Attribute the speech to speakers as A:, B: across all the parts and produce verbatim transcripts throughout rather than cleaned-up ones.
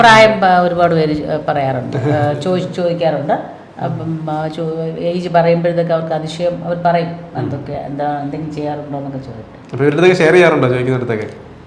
A: പ്രായം ഒരുപാട് പേര് പറയാറുണ്ട്, ചോദിച്ച് ചോദിക്കാറുണ്ട്. അപ്പം ഏജ് പറയുമ്പോഴത്തേക്ക് അവർക്ക് അതിശയം, അവർ പറയും എന്തൊക്കെ എന്താ എന്തെങ്കിലും ചെയ്യാറുണ്ടോ എന്നൊക്കെ ചോദിക്കും.
B: ഷെയർ ചെയ്യാറുണ്ടോ ചോദിക്കുന്നിടത്തൊക്കെ?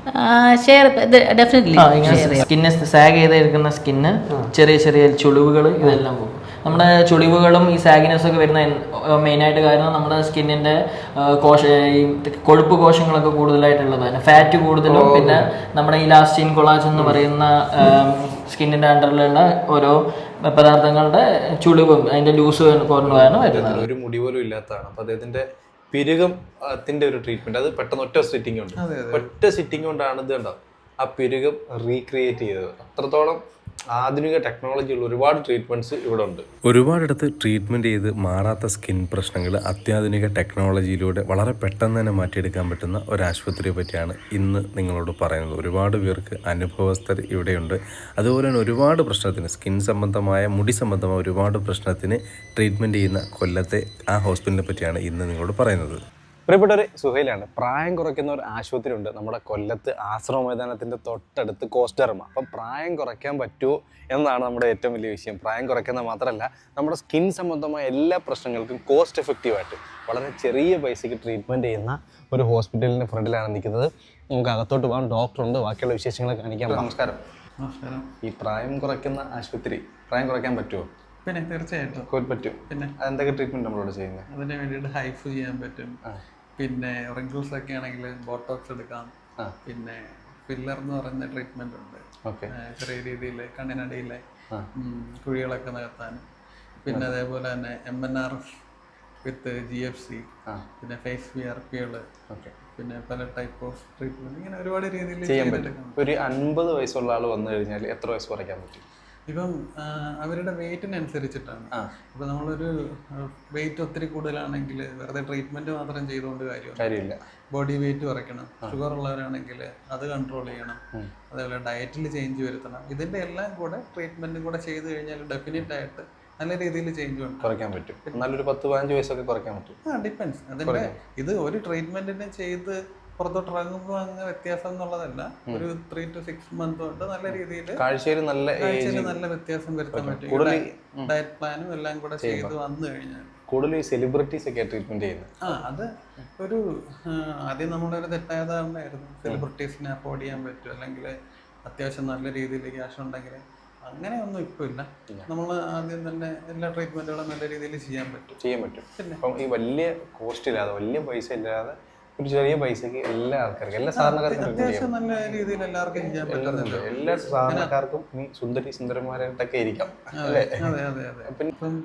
A: Share definitely.
C: സ്കിന്ന് സാഗ് ചെയ്തിരിക്കുന്ന സ്കിന്ന്, ചെറിയ ചെറിയ ചുളിവുകൾ, ഇതെല്ലാം പോകും. നമ്മുടെ ചുളിവുകളും ഈ സാഗിനെസ് ഒക്കെ വരുന്ന മെയിനായിട്ട് കാരണം നമ്മുടെ സ്കിന്നിൻ്റെ കോശ ഈ കൊഴുപ്പ് കോശങ്ങളൊക്കെ കൂടുതലായിട്ടുള്ളതാണ്. ഫാറ്റ് കൂടുതലും പിന്നെ നമ്മുടെ ഇലാസ്റ്റിൻ കൊളാജൻ എന്ന് പറയുന്ന സ്കിന്നിൻ്റെ അണ്ടറിലുള്ള ഓരോ പദാർത്ഥങ്ങളുടെ ചുളിവും അതിൻ്റെ ലൂസ് കൊണ്ടുപോയാണ് വരുന്നത്.
B: ഒരു മുടി പോലും ഇല്ലാത്തതാണ്. അപ്പോൾ അദ്ദേഹത്തിൻ്റെ പിരുകത്തിന്റെ ഒരു ട്രീറ്റ്മെന്റ്, അത് പെട്ടെന്ന് ഒറ്റ സിറ്റിംഗ് ഉണ്ട്, ഒറ്റ സിറ്റിംഗ് കൊണ്ടാണ് ഇത് കണ്ടോ ആ പിരുകം റീക്രിയേറ്റ് ചെയ്തത്. അത്രത്തോളം ആധുനിക ടെക്നോളജിയുള്ള ഒരുപാട് ട്രീറ്റ്മെന്റ്സ് ഇവിടെ ഉണ്ട്. ഒരുപാടിടത്ത് ട്രീറ്റ്മെന്റ് ചെയ്ത് മാറാത്ത സ്കിൻ പ്രശ്നങ്ങൾ അത്യാധുനിക ടെക്നോളജിയിലൂടെ വളരെ പെട്ടെന്ന് തന്നെ മാറ്റിയെടുക്കാൻ പറ്റുന്ന ഒരു ആശുപത്രിയെ പറ്റിയാണ് ഇന്ന് നിങ്ങളോട് പറയുന്നത്. ഒരുപാട് പേർക്ക് അനുഭവസ്ഥർ ഇവിടെയുണ്ട്. അതുപോലെ തന്നെ ഒരുപാട് പ്രശ്നത്തിന്, സ്കിൻ സംബന്ധമായ മുടി സംബന്ധമായ ഒരുപാട് പ്രശ്നത്തിന് ട്രീറ്റ്മെന്റ് ചെയ്യുന്ന കൊല്ലത്തെ ആ ഹോസ്പിറ്റലിനെ പറ്റിയാണ് ഇന്ന് നിങ്ങളോട് പറയുന്നത്. പ്രിയപ്പെട്ടവരെ, സുഹൈലാണ്. പ്രായം കുറയ്ക്കുന്ന ഒരു ആശുപത്രി ഉണ്ട് നമ്മുടെ കൊല്ലത്ത്, ആശ്രമ മൈതാനത്തിൻ്റെ തൊട്ടടുത്ത് കോസ്റ്റർമ. അപ്പം പ്രായം കുറയ്ക്കാൻ പറ്റുമോ എന്നാണ് നമ്മുടെ ഏറ്റവും വലിയ വിഷയം. പ്രായം കുറയ്ക്കുന്നത് മാത്രമല്ല, നമ്മുടെ സ്കിൻ സംബന്ധമായ എല്ലാ പ്രശ്നങ്ങൾക്കും കോസ്റ്റ് എഫക്റ്റീവായിട്ട് വളരെ ചെറിയ പൈസയ്ക്ക് ട്രീറ്റ്മെൻറ്റ് ചെയ്യുന്ന ഒരു ഹോസ്പിറ്റലിൻ്റെ ഫ്രണ്ടിലാണ് നിൽക്കുന്നത്. നമുക്ക് അകത്തോട്ട് പോകാം, ഡോക്ടറുണ്ട്, ബാക്കിയുള്ള വിശേഷങ്ങൾ കാണിക്കാം. നമസ്കാരം.
D: നമസ്കാരം.
B: ഈ പ്രായം കുറയ്ക്കുന്ന ആശുപത്രി, പ്രായം കുറയ്ക്കാൻ പറ്റുമോ?
D: പിന്നെ തീർച്ചയായിട്ടും
B: പറ്റും.
D: പിന്നെ
B: അതെന്തൊക്കെ ട്രീറ്റ്മെൻറ്റ് നമ്മളോട് ചെയ്യുന്നത്?
D: അതിന് വേണ്ടിയിട്ട് ഹൈഫ് ചെയ്യാൻ പറ്റും. പിന്നെ റിങ്കിൾസ് ഒക്കെ ആണെങ്കിൽ ബോട്ടോക്സ് എടുക്കാം. പിന്നെ ഫില്ലർ എന്ന് പറയുന്ന ട്രീറ്റ്മെന്റ് ഉണ്ട്. ചെറിയ രീതിയിൽ കണ്ണിനടിയിലെ കുഴികളൊക്കെ നികത്താൻ. പിന്നെ അതേപോലെ തന്നെ M N R F with G F C, പിന്നെ ഫേസ് വി ആർ പികൾ, പിന്നെ പല ടൈപ്പ് ഓഫ് ട്രീറ്റ്മെന്റ്, ഇങ്ങനെ ഒരുപാട് രീതിയിൽ
B: ചെയ്യാൻ പറ്റും. ഒരു അൻപത് വയസ്സുള്ള ആൾ വന്നു കഴിഞ്ഞാൽ എത്ര വയസ്സ് കുറയ്ക്കാൻ പറ്റും?
D: ഇപ്പം അവരുടെ വെയിറ്റിനനുസരിച്ചിട്ടാണ്. ഇപ്പം നമ്മളൊരു വെയിറ്റ് ഒത്തിരി കൂടുതലാണെങ്കിൽ വെറുതെ ട്രീറ്റ്മെന്റ് മാത്രം ചെയ്തുകൊണ്ട് കാര്യമില്ല. ബോഡി വെയിറ്റ് കുറയ്ക്കണം. ഷുഗർ ഉള്ളവരാണെങ്കിൽ അത് കൺട്രോൾ ചെയ്യണം. അതേപോലെ ഡയറ്റിൽ ചേഞ്ച് വരുത്തണം. ഇതിന്റെ എല്ലാം കൂടെ ട്രീറ്റ്മെന്റും കൂടെ ചെയ്ത് കഴിഞ്ഞാൽ ഡെഫിനറ്റ് ആയിട്ട് നല്ല രീതിയിൽ ചേഞ്ച് കുറയ്ക്കാൻ പറ്റും. നല്ലൊരു പത്ത് പതിനഞ്ച് വയസ്സൊക്കെ കുറയ്ക്കാൻ പറ്റും. ആ ഡിപ്പെൻസ്. അതിന്റെ ഇത് ഒരു ട്രീറ്റ്മെന്റിനെ ചെയ്ത് പുറത്തോട്ട് ഇറങ്ങുമ്പോൾ അങ്ങ് വ്യത്യാസം എന്നുള്ളതല്ല, ഒരു ത്രീ ടു സിക്സ് മന്ത് കൊണ്ട് നല്ല രീതിയിൽ കാഴ്ചയിൽ നല്ല നല്ല വ്യത്യാസം വരുത്താൻ പറ്റും. ഡയറ്റ് പ്ലാനും എല്ലാം കൂടെ ചെയ്ത് വന്നു കഴിഞ്ഞാൽ
B: കൂടുതൽ സെലിബ്രിറ്റീസ് ഒക്കെ ട്രീറ്റ്മെന്റ് ചെയ്യുന്നത്.
D: ആ അത് ഒരു ആദ്യം നമ്മളൊരു തെറ്റായ ധാരണയായിരുന്നു, സെലിബ്രിറ്റീസിനെ അഫോർഡ് ചെയ്യാൻ പറ്റും അല്ലെങ്കിൽ അത്യാവശ്യം നല്ല രീതിയിൽ ക്യാഷ് ഉണ്ടെങ്കിൽ. അങ്ങനെയൊന്നും ഇപ്പോൾ ഇല്ല. നമ്മൾ ആദ്യം തന്നെ എല്ലാ ട്രീറ്റ്മെന്റുകളും നല്ല രീതിയിൽ ചെയ്യാൻ പറ്റും
B: ചെയ്യാൻ പറ്റും പിന്നെ അപ്പം ഈ വലിയ കോസ്റ്റ് ഇല്ലാതെ, വലിയ പൈസ ഇല്ലാതെ, ഒരു ചെറിയ പൈസക്ക് എല്ലാ ആൾക്കാർക്കും, എല്ലാ സാധാരണക്കാർക്കും
D: അത്യാവശ്യം നല്ല രീതിയിൽ എല്ലാവർക്കും ചെയ്യാൻ പറ്റുന്നുണ്ട്.
B: എല്ലാ സാധാരണക്കാർക്കും ഈ സുന്ദരി സുന്ദരന്മാരായിട്ടൊക്കെ ഇരിക്കാം.
D: അതെ അതെ അതെ. ഇപ്പം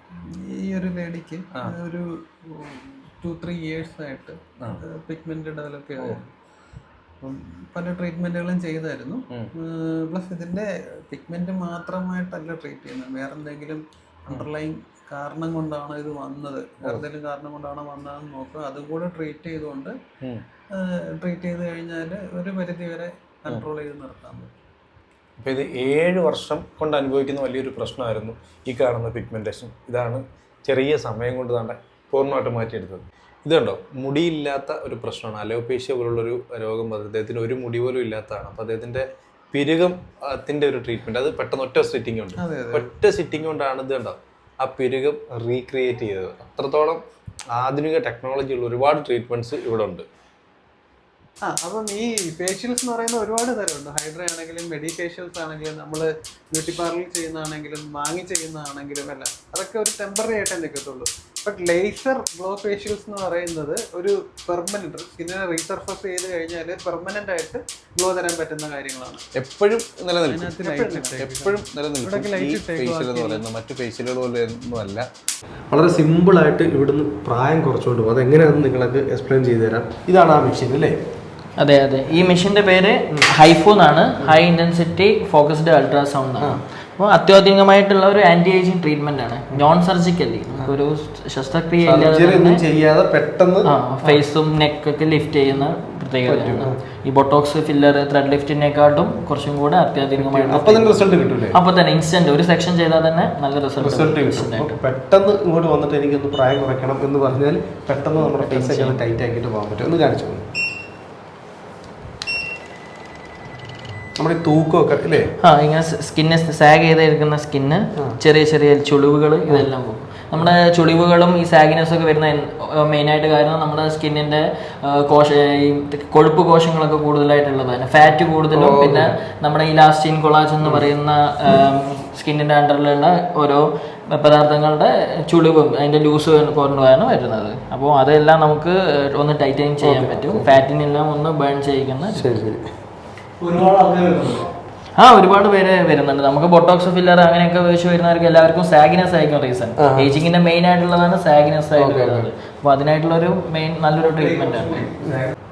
D: ഈ ഒരു ലേഡിക്ക് ഒരു ടു ത്രീ ഇയേഴ്സ് ആയിട്ട് പിഗ്മെന്റ് ഡെവലപ്പ് ചെയ്തായിരുന്നു. അപ്പം പല ട്രീറ്റ്മെന്റുകളും ചെയ്തായിരുന്നു. പ്ലസ് ഇതിന്റെ പിഗ്മെന്റ് മാത്രമായിട്ടല്ല ട്രീറ്റ് ചെയ്യുന്നത്, വേറെ എന്തെങ്കിലും അണ്ടർലൈൻ കാരണം കൊണ്ടാണ് ഇത് വന്നത്, എന്തെങ്കിലും കാരണം കൊണ്ടാണ് വന്നതെന്ന് നോക്കുക. അതും കൂടെ ട്രീറ്റ് ചെയ്തുകൊണ്ട് ട്രീറ്റ് ചെയ്ത് കഴിഞ്ഞാൽ ഒരു പരിധി വരെ കൺട്രോൾ ചെയ്ത് നിർത്താൻ പറ്റും.
B: അപ്പോൾ ഇത് ഏഴ് വർഷം കൊണ്ട് അനുഭവിക്കുന്ന വലിയൊരു പ്രശ്നമായിരുന്നു ഈ കാണുന്ന പിഗ്മെന്റേഷൻ. ഇതാണ് ചെറിയ സമയം കൊണ്ട് തന്നെ പൂർണ്ണമായിട്ട് മാറ്റിയെടുത്തത്. ഇത് കണ്ടോ, മുടിയില്ലാത്ത ഒരു പ്രശ്നമാണ്. അലോപേഷ്യ പോലുള്ളൊരു രോഗം അദ്ദേഹത്തിന് ഒരു മുടി പോലും ഇല്ലാത്തതാണ്. അപ്പോൾ അദ്ദേഹത്തിൻ്റെ പിരുകത്തിൻ്റെ ഒരു ട്രീറ്റ്മെൻറ്റ്, അത് പെട്ടെന്ന് ഒറ്റ സിറ്റിംഗ് ഉണ്ട്, ഒറ്റ സിറ്റിംഗ് കൊണ്ടാണ് ഇത് കണ്ടോ ആ പിരുകം റീക്രിയേറ്റ് ചെയ്തത്. അത്രത്തോളം ആധുനിക ടെക്നോളജിയുള്ള ഒരുപാട് ട്രീറ്റ്മെന്റ്സ് ഇവിടെ ഉണ്ട്.
D: ആ അപ്പം ഈ ഫേഷ്യൽസ് എന്ന് പറയുന്ന ഒരുപാട് തരമുണ്ട്. ഹൈഡ്ര ആണെങ്കിലും മെഡി ഫേഷ്യൽസ് ആണെങ്കിലും നമ്മൾ ബ്യൂട്ടി പാർലറിൽ ചെയ്യുന്നതാണെങ്കിലും വാങ്ങി ചെയ്യുന്നതാണെങ്കിലും എല്ലാം അതൊക്കെ ഒരു ടെമ്പററി ആയിട്ടേ നിൽക്കത്തുള്ളൂ. ബട്ട് ലേസർ ഗ്ലോ ഫേഷ്യൽസ് എന്ന് പറയുന്നത് ഒരു പെർമനന്റ്, സ്കിന്നിനെ റീസർഫസ് ചെയ്ത് കഴിഞ്ഞാൽ പെർമനന്റ് ആയിട്ട് ഗ്ലോ തരാൻ പറ്റുന്ന കാര്യങ്ങളാണ്.
B: എപ്പോഴും നിലനിൽക്കും, എപ്പോഴും നിലനിൽക്കും. മറ്റു ഫേഷ്യലുകൾ പോലെ ഒന്നുമല്ല. വളരെ സിമ്പിളായിട്ട് ഇവിടുന്ന് പ്രായം കുറച്ചുകൊണ്ട് പോകും. അതെങ്ങനെയാണെന്ന് നിങ്ങൾക്ക് എക്സ്പ്ലെയിൻ ചെയ്തു തരാം. ഇതാണ് ആ മെഷീൻ അല്ലേ?
C: അതെ അതെ. ഈ മെഷീൻ്റെ പേര് ഹൈഫോ എന്നാണ്, ഹൈ ഇൻറ്റൻസിറ്റി ഫോക്കസ്ഡ് അൾട്രാസൗണ്ട് എന്നാണ്. അപ്പോൾ അത്യാധുനികമായിട്ടുള്ള ഒരു ആന്റി ഏജിങ് ട്രീറ്റ്മെന്റ് ആണ്, നോൺ സർജിക്കലി. ഒരു ശസ്ത്രക്രിയ
B: ചെയ്യാതെ പെട്ടെന്ന്
C: ഫേസും നെക്കൊക്കെ ലിഫ്റ്റ് ചെയ്യുന്ന പ്രത്യേകതയാണ്. ഈ ബൊട്ടോക്സ്, ഫില്ലർ, ത്രെഡ് ലിഫ്റ്റിനെക്കാട്ടും കുറച്ചും കൂടെ അത്യാധുനികമായിട്ട് അപ്പൊ തന്നെ ഇൻസ്റ്റന്റ് ഒരു സെക്ഷൻ ചെയ്താൽ തന്നെ നല്ല റിസൾട്ട്.
B: പെട്ടെന്ന് ഇങ്ങോട്ട് വന്നിട്ട് എനിക്കൊന്ന് പ്രായം കുറയ്ക്കണം എന്ന് പറഞ്ഞാൽ പെട്ടെന്ന് നമ്മുടെ ഫേസ് ഒക്കെ ടൈറ്റ് ആക്കിയിട്ട് പോകാൻ പറ്റും. ഒന്ന് കാണിച്ചു.
E: നമ്മുടെ ഈ തൂക്കമൊക്കെ അല്ലേ?
C: ആ ഇങ്ങനെ സ്കിന്ന് സാഗ് ചെയ്തിരിക്കുന്ന സ്കിന്ന് ചെറിയ ചെറിയ ചുളിവുകൾ ഇതെല്ലാം പോകും. നമ്മുടെ ചുളിവുകളും ഈ സാഗിനെസ് ഒക്കെ വരുന്ന മെയിനായിട്ട് കാരണം നമ്മുടെ സ്കിന്നിൻ്റെ കോശ ഈ കൊഴുപ്പ് കോശങ്ങളൊക്കെ കൂടുതലായിട്ടുള്ളതാണ്. ഫാറ്റ് കൂടുതലും പിന്നെ നമ്മുടെ ഇലാസ്റ്റിൻ കൊളാജൻ എന്ന് പറയുന്ന സ്കിന്നിൻ്റെ അണ്ടറിലുള്ള ഓരോ പദാർത്ഥങ്ങളുടെ ചുളിവും അതിൻ്റെ ലൂസ് കൊണ്ടുപോയാണ് വരുന്നത്. അപ്പോൾ അതെല്ലാം നമുക്ക് ഒന്ന് ടൈറ്റനിങ് ചെയ്യാൻ പറ്റും. ഫാറ്റിനെല്ലാം ഒന്ന് ബേൺ ചെയ്യിക്കുന്ന.
E: ശരി ശരി.
C: ആ ഒരുപാട് പേര് വരുന്നുണ്ട്. നമുക്ക് ബൊട്ടോക്സ് ഫില്ലർ അങ്ങനെയൊക്കെ വെച്ച് വരുന്നവർക്ക് എല്ലാവർക്കും സാഗിനെസ് ആയിരിക്കും റീസൺ. ഏജിങ്ങിന്റെ മെയിൻ ആയിട്ടുള്ളതാണ് സാഗിനെസ് ആയിട്ട് വരുന്നത്. അപ്പോൾ അതിനായിട്ടുള്ള ഒരു മെയിൻ നല്ലൊരു ട്രീറ്റ്മെന്റ് ആണ്.